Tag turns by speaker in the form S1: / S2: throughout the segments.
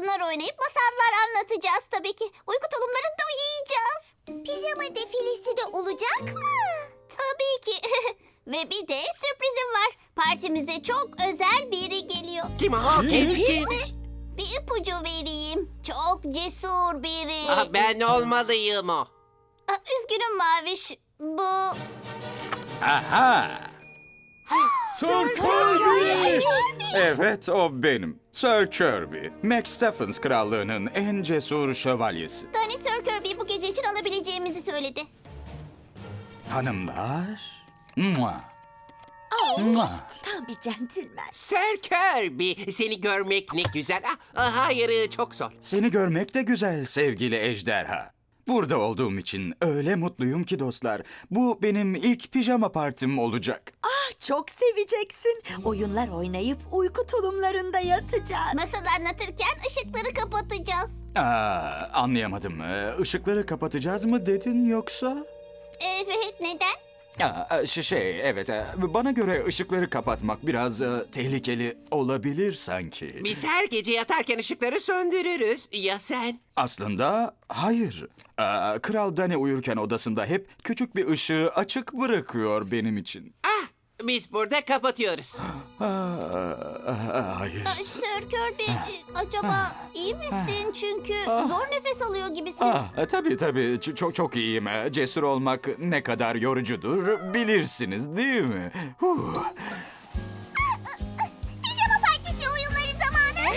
S1: oyunlar oynayıp masallar anlatacağız tabii ki. Uyku tulumlarında uyuyacağız. Pijama defilesi de olacak mı? Tabii ki. Ve bir de sürprizim var. Partimize çok özel biri geliyor.
S2: Kim o? Kim?
S1: Bir ipucu vereyim. Çok cesur biri.
S2: Ben olmalıyım o.
S1: Üzgünüm Maviş. Bu...
S3: Aha! Sir Kirby! Evet, o benim. Sir Kirby. Max Stephens krallığının en cesur şövalyesi.
S1: Danny Sir Kirby'yi bu gece için alabileceğimizi söyledi.
S3: Hanımlar. Mua. Mua.
S4: Tam bir centilmen.
S2: Sir Kirby, seni görmek ne güzel. Hayır, çok zor.
S3: Seni görmek de güzel sevgili ejderha. Burada olduğum için öyle mutluyum ki dostlar. Bu benim ilk pijama partim olacak.
S4: Çok seveceksin. Oyunlar oynayıp uyku tulumlarında yatacağız.
S1: Masal anlatırken ışıkları kapatacağız.
S3: Anlayamadım. Işıkları kapatacağız mı dedin yoksa?
S1: Evet, neden?
S3: Evet. Bana göre ışıkları kapatmak biraz tehlikeli olabilir sanki.
S2: Biz her gece yatarken ışıkları söndürürüz. Ya sen?
S3: Aslında hayır. Kral Dani uyurken odasında hep küçük bir ışığı açık bırakıyor benim için.
S2: Biz burada kapatıyoruz.
S3: Hayır.
S1: Sir Kirby, acaba iyi misin? Çünkü zor nefes alıyor gibisin.
S3: Tabii. Çok iyiyim. Cesur olmak ne kadar yorucudur bilirsiniz değil mi?
S1: Pijama partisi oyunları zamanı.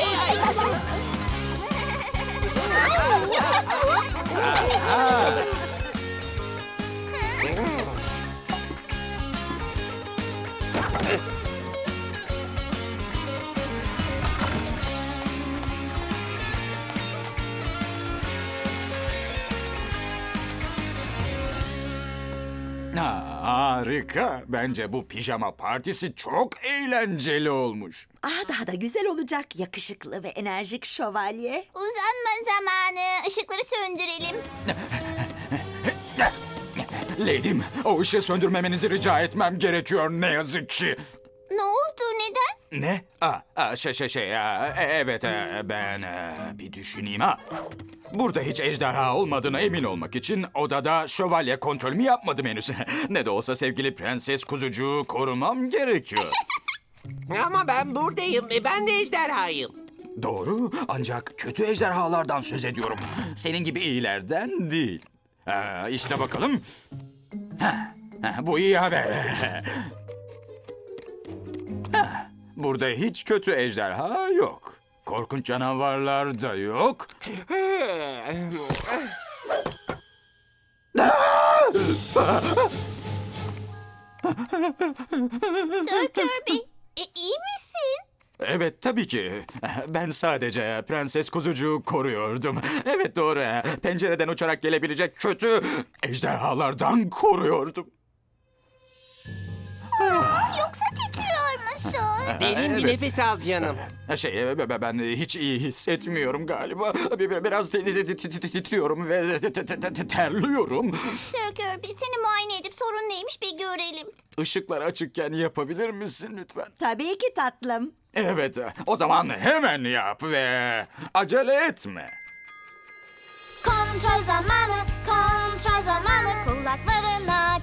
S3: Harika. Bence bu pijama partisi çok eğlenceli olmuş.
S4: Daha da güzel olacak yakışıklı ve enerjik şövalye.
S1: Uzanma zamanı. Işıkları söndürelim.
S3: Lady'm, o ışığı söndürmemenizi rica etmem gerekiyor ne yazık ki.
S1: Ne oldu? Neden?
S3: Ne? Evet, ben bir düşüneyim ha. Burada hiç ejderha olmadığına emin olmak için odada şövalye kontrolümü yapmadım henüz. Ne de olsa sevgili prenses kuzucuğu korumam gerekiyor.
S2: Ama ben buradayım. Ben de ejderhayım.
S3: Doğru, ancak kötü ejderhalardan söz ediyorum. Senin gibi iyilerden değil. İşte bakalım. Bu iyi haber. Burada hiç kötü ejderha yok. Korkunç canavarlar da yok.
S1: Sir Kirby, iyi misin?
S3: Evet, tabii ki. Ben sadece prenses kuzucuğu koruyordum. Evet, doğru. Pencereden uçarak gelebilecek kötü ejderhalardan koruyordum.
S1: Yoksa titriyor musun?
S2: Derin bir
S3: Evet.
S2: nefes al canım.
S3: Ben hiç iyi hissetmiyorum galiba. Biraz titriyorum ve terliyorum.
S1: Sir Kirby, seni muayene edip sorun neymiş bir görelim.
S3: Işıklar açıkken yapabilir misin lütfen?
S4: Tabii ki tatlım.
S3: Evet, o zaman hemen yap ve acele etme.
S1: Kontrol zamanı, kulaklarına